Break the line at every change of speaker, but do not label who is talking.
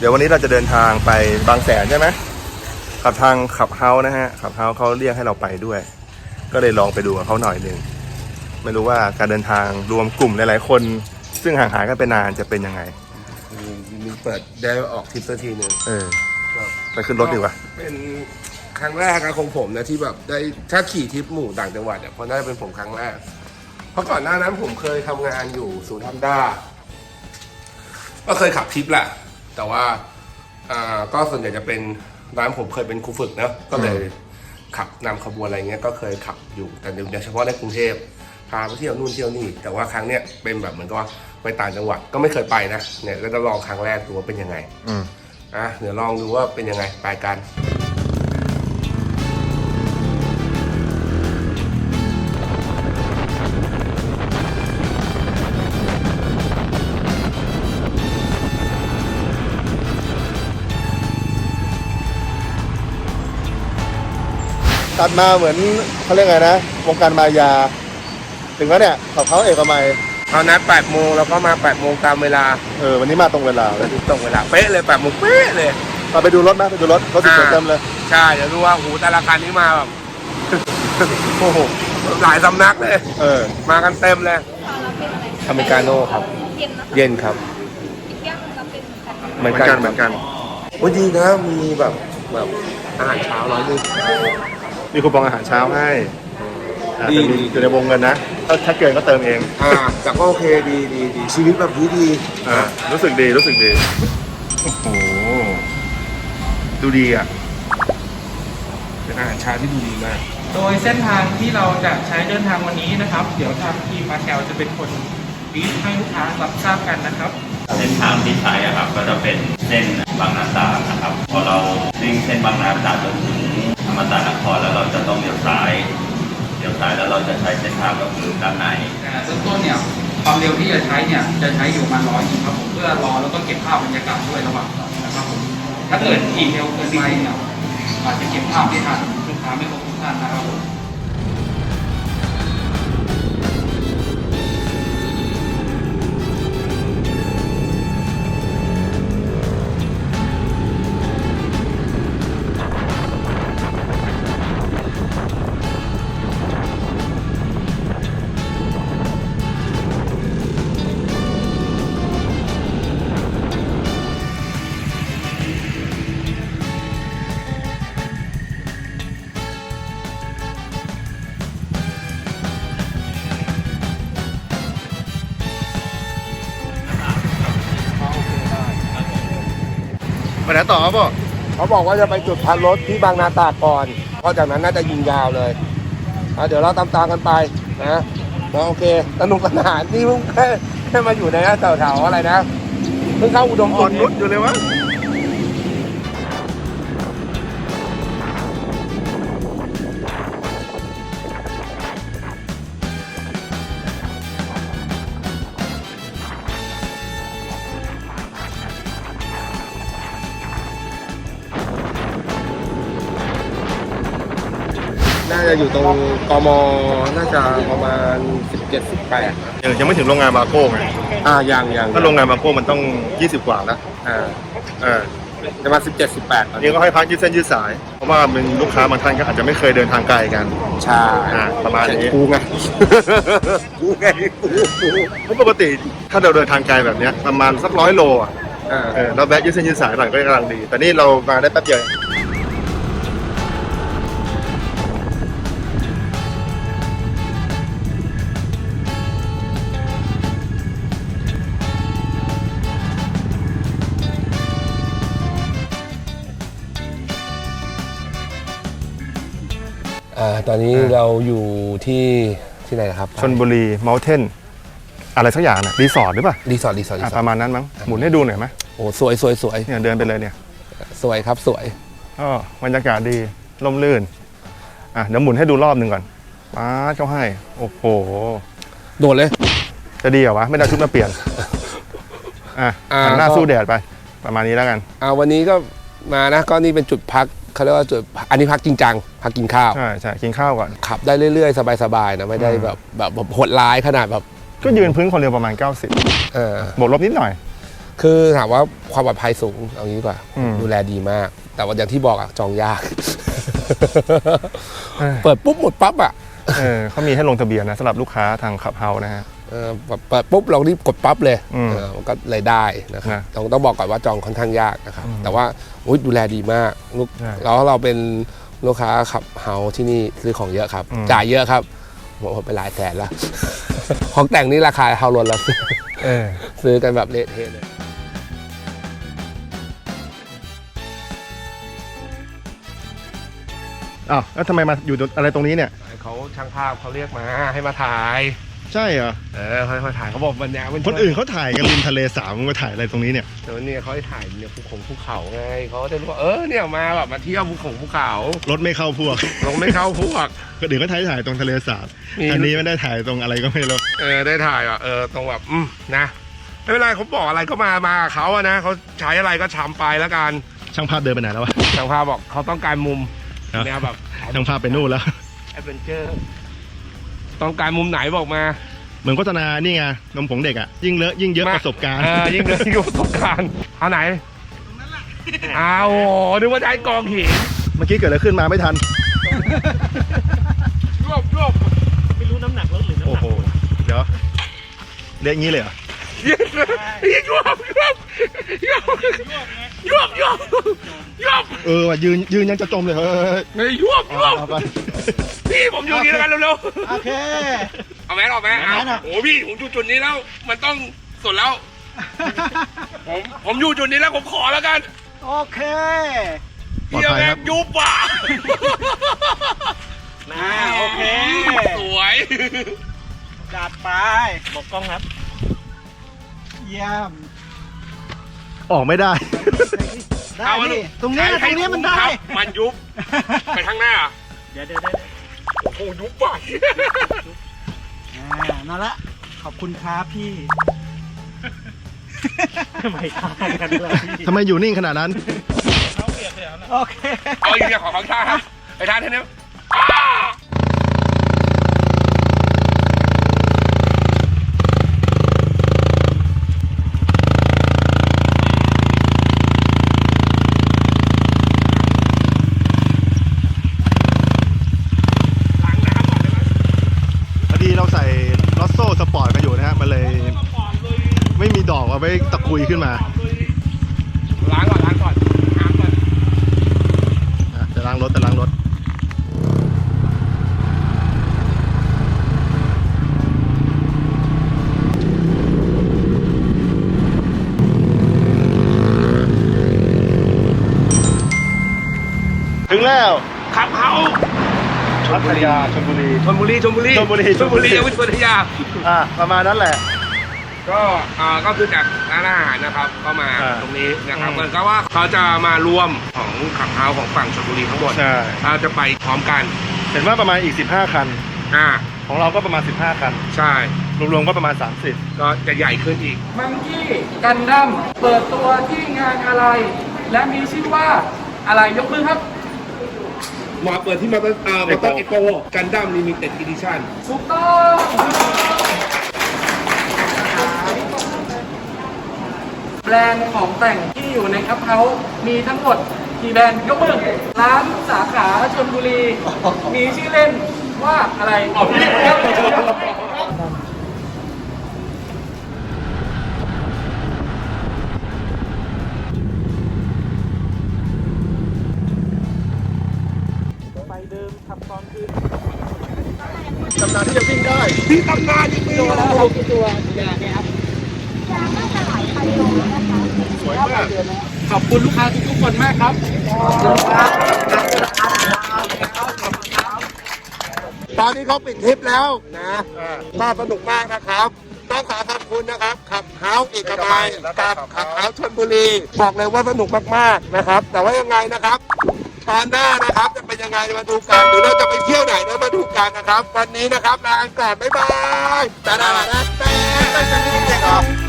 ดี๋ยววันนี้เราจะเดินทางไปบางแสนใช่ไหมขับทางขับเฮานะฮะขับเฮาเขาเรียกให้เราไปด้วยก็เลยลองไปดูกับเขาหน่อยหนึ่งไม่รู้ว่าการเดินทางรวมกลุ่มหลายๆคนซึ่งห่างหายกันไปนานจะเป็นยังไง
มีเปิดได้ออกทริปสักทีหนึ่ง
ไปขึ้นรถดีกว่า
เป็นครั้งแรกนะของผมนะที่แบบได้ถ้าขี่ทริปหมู่ต่างจังหวัดเนี่ยเพราะน่าจะเป็นผมครั้งแรกเพราะก่อนหน้านั้นผมเคยทำงานอยู่ศูนย์ฮันด้าก็เคยขับทริปแหละแต่ว่าก็ส่วนใหญ่จะเป็นร้านผมเคยเป็นครูฝึกนะก็เลยขับนำขบวนอะไรเงี้ยก็เคยขับอยู่แต่โดยเฉพาะในกรุงเทพพาไปเที่ยวนู่นเที่ยวนี่แต่ว่าครั้งเนี้ยเป็นแบบเหมือนกับว่าไปต่างจังหวัดก็ไม่เคยไปนะเนี่ยก็จะลองครั้งแรกดูว่าเป็นยังไงเดี๋ยวลองดูว่าเป็นยังไงไปกัน
ตัดมาเหมือนเขาเรียกไงนะวงการมายาถึงแล้วเนี่ยเขาเอกมัย
เอานัด8 โมงแล้วก็มา8 โมงตามเวลา
วันนี้มาตรงเวลาเลย
ตรงเวลาเป๊ะเลย8 โมงเป๊ะเลย
เราไปดูรถไหมไปดูรถติดเต็มเลย
ใช่เดี๋ยวดูว่าหูแต่ละคันนี้มาแบบโอ้โหหลายสำนักเลยมากันเต็มเลยอเมริกาโน่ครับเย็นครับ
เหมือนกัน
วันดีนะมีแบบอาหารเช้า100 นึง
มีคูปองอาหารเช้าให้ดีอยู่ในวงเงินนะถ้าเกินก็เติมเอง
แต่ก็โอเคดีชีวิตแบบนี้ดี
รู้สึกดีโอ้โหดูดีอ่ะ
เป็นอาหารเช้าที่ดูดีมาก
โดยเส้นทางที่เราจะใช้เดินทางวันนี้นะครับเดี๋ยวทางทีมมาแกลจะเป็นคนบีฟให้ลูกค้ารับทราบกันนะครับ
เส้นทางที่ใช้ครับก็จะเป็นเส้นบางนาตราดนะครับพอเราวิ่งเส้นบางนาตราดจนถึงอมตะนครแล้วเราจะต้องเลี้ยวซ้ายแล้วเราจะใช้เส้นทางก็คือด้านใน
เริ่มต้นเนี่ยความเร็วที่จะใช้เนี่ยจะใช้อยู่ประมาณ100ครับผมเพื่อรอแล้วก็เก็บภาพบรรยากาศด้วยระหว่างนะครับผมถ้าเกิดขี่เร็วเกินไปเนี่ยอาจจะเก็บภาพไม่ทันลูกค้าไม่ครบทุกท่านนะครับผม
ไปไหนต่อครับพ่อ
เขาบอกว่าจะไปจุดพักรถที่บางนาตราดก่อนเพราะจากนั้นน่าจะยิงยาวเลยเดี๋ยวเราตามกันไปนะโอเคสนุกสนานนี่เพิ่งแค่มาอยู่ในแถวๆอะไรนะเพิ่งเข้าอุดม
อ่อนนุชอยู่เลยวะ
น่าจะอยู่ตรงกมน่าจะประมาณ17-18
ยังไม่ถึงโรงงานมาโก้ไง
ยัง
ถ้าโรงงานมาโก้มันต้อง20 กว่าแล้ว
ประมาณ17-18
นี่ก็ให้พักยืดเส้นยืดสายเพราะว่าเป็นลูกค้าบางท่านก็อาจจะไม่เคยเดินทางไกลกัน
ใช่
ประมาณนี้
กูไง
เพราะปกติถ้าเราเดินทางไกลแบบนี้ประมาณสัก100 โลเราแวะยืดเส้นยืดสายหน่อยก็กำลังดีแต่นี่เรามาได้แป๊บเดียว
ตอนนี้เราอยู่ที่ไหนครับ
ชลบุรีเมลเทนอะไรสักอย่างนะรีสอร์ทหรือเปล่า
รีสอร์ท
ประมาณนั้นมั้งหมุนให้ดูหน่อยไหม
โอ้สวย
เนี่ยเดินไปเลยเนี่ย
สวยครับสวย
บรรยากาศดีร่มรื่นเดี๋ยวหมุนให้ดูรอบหนึ่งก่อนป้าเขาให้โอ้โห
โดดเลย
จะดีเหรอวะไม่ได้ชุดมาเปลี่ยนหันหน้าสู้แดดไปประมาณนี้แล้วกัน
วันนี้ก็มานะก็นี่เป็นจุดพักเขาเรียกว่าจุดอันนี้พักจริงจังพักกินข้าว
ใช่กินข้าวก่อน
ขับได้เรื่อยๆสบายๆนะไม่ได้แบบโหดร้ายขนาดแบบ
ก็ยืนพื้นคนเร็วประมาณ90บวกลบนิดหน่อย
คือถามว่าความปลอดภัยสูงเอางี้ดีกว่า
อืม
ดูแลดีมาก แต่ว่าอย่างที่บอกอะจองยาก
เออ
เปิดปุ๊บหมดปั๊บอะ
เขามีให้ลงทะเบียนนะสำหรับลูกค้าทางขับเฮานะฮะ
แบบเปิดปุ๊บเรารีบกดปั๊บเลย
อืม
มันก็เลยได้นะครับ
นะ
ต้องบอกก่อนว่าจองค่อนข้างยากนะครับ
อืม
แต่ว่าอุ๊ยดูแลดีมากลูก
ใช่
แล้วเราเป็นลูกค้าขับเฮาที่นี่ซื้อของเยอะครับ
อืม
จ่ายเยอะครับหมดไปหลายแสนแล้ว ของแต่งนี่ราคาเฮาล้นแล้ว
เออ
ซื้อกันแบบเละเทะเลย
อ้าวแล้วทำไมมาอยู่อะไรตรงนี้เนี่ย
เขาช่างภาพเขาเรียกมาให้มาถ่าย
ใช่เหรอ
ค่อยๆถ่ายเขาบอกมันแนวมัน
คนอื่นเขาถ่ายกันริมทะเลสาบมึงมาถ่ายอะไรตรงนี้เนี่ย
แต่ว่าเนี่ยเขาให้ถ่ายเนี่ยภูเขาไงเขาจะรู้ว่าเนี่ยมาแบบมาเที่ยวภูเขา
รถไม่เข้าพวก
ลงไม่เข้าพวก
คนอื่นก็ถ่ายตรงทะเลสาบ
มี
อันนี้ไม่ได้ถ่ายตรงอะไรก็ไม่รู้
ได้ถ่ายอ่ะตรงแบบนะไม่เป็นไรเขาบอกอะไรก็มากับเขาอะนะเขาใช้อะไรก็ทำไปแล้วกัน
ช่างภาพเดินไปไหนแล้ววะ
ช่างภาพบอกเขาต้องการมุม
ฮะ
แนวแบบ
ช่างภาพไปนู่นแล้ว
แอดเวนเจอร์ต้องการมุมไหนบอกมา
เหมือนโฆษณานี่ไงนมผงเด็กอ่ะยิ่งเลอะยิ่งเยอะประสบการณ์
ยิ่งเลยยิ่งประสบการณ์เอาไหนอ้าวโอ้โหนึกว่าจะให้กองหิน
เมื่อกี้เกิดอะไรขึ้นมาไม่ทัน
รวบ
ไม่รู้น้ำหนักรถหรือน้ำห
โอ้
นัก
โหเดี๋ยวเละอย่างนี้เลยเหรอ
ยวบ
ว่ะยืนยังจะจมเลยเฮ้ย
ไม่ยวบ
เอาไป
พี่ผมอยู่นี่แล้วกันเร็ว
โอเค
ๆเอาแมสออกไหม
เอาแมสออก
โอ้พี่ผมอยู่จุดนี้แล้ว มันต้องสุดแล้ว ผมอยู่จุดนี้แล้วผมขอแล้วกัน
โอเค
ปลอด
เฮีย
ภัย
แม่
ครั
ง
บ
ยุบว่ะ
โอเค
สวย
จัดไป
บอกกล้องครับ
เยี่ยม
ออกไม่ได้
ได้ดิตรงเนี้ยมันได้
ครับมันยุบไปข้างหน้า
เดี๋ยว
โอ้โหยุบว่ะ
นั่นละ ขอบคุณครับพี่
ไม่ทานกันเลย
ทำไมอยู่นิ่งขนาดนั้น
โอเค
เอาอีกอย่างของชาครับไปทานเท่านี้ล้างน้ำก่อนได้ไหม
พอดีเราใส่ลอสโซ่สปอร์ตกันอยู่นะฮะมันเลยไม่มีดอกเอาไว้ตะกุยขึ้นมา
ล้างก่อนน้ำก่อน
จะล้างรถถึงแล้ว
ขับเฮา
พัทยาชลบุรี
ชลบุรียังไม่ชลพัทยา
ประมาณนั้นแหละ
ก็คือจากร้านอาหารนะครับก็มา
อ่า
ตรงนี้นะครับ
อืม
เหมือนกับว่าเขาจะมารวมของขับเฮาของฝั่งชลบุรีทั้งหมด
ใช่
เราจะไปพร้อมกัน
เห็นว่าประมาณอีก15คัน ของเราก็ประมาณ15คัน
ใช่
รวมๆก็ประมาณ30
ก็จะใหญ่ขึ้นอีก
มังกี้กันดั้มเปิดตัวที่งานอะไร และมีชื่อว่าอะไรยกมือครับ
มาเปิดที่มาเตอร์เอ็กโปกันดั้มลิมิเต็ดอีดิชั่น
ถูกต้องแบรนด์ของแต่งที่อยู่ในคัพเฮาส์มีทั้งหมดกี่แบรนด์ยกมือร้านสาขาชลบุรี มีชื่อเล่นว่าอะไรอ๋อพี่ครับไปเดิมขับตอนคืน
ตำนานที่จะวิ่งได้
ที่ตำนานจริงๆ
ตัวแล้วเรากี่ตัวอย่างเนี้ยครับ
สวยมาก
ขอบคุณลูกค้าทุกๆคนมากครับ
ตอนนี้เขาปิดทริปแล้วนะก็สนุกมากนะครับต้องขอขอบคุณนะครับขับเฮาส์เอกมัยกับขับเฮาส์ชลบุรีบอกเลยว่าสนุกมากๆนะครับ แต่ว่ายังไงนะครับตอนหน้านะครับจะเป็นยังไงมาดูกันหรือเราจะไปเที่ยวไหนเนี่ยมาดูกันนะครับ วันนี้นะครับลาก่อนบ๊ายบายแต่แต่แต่แต่แต่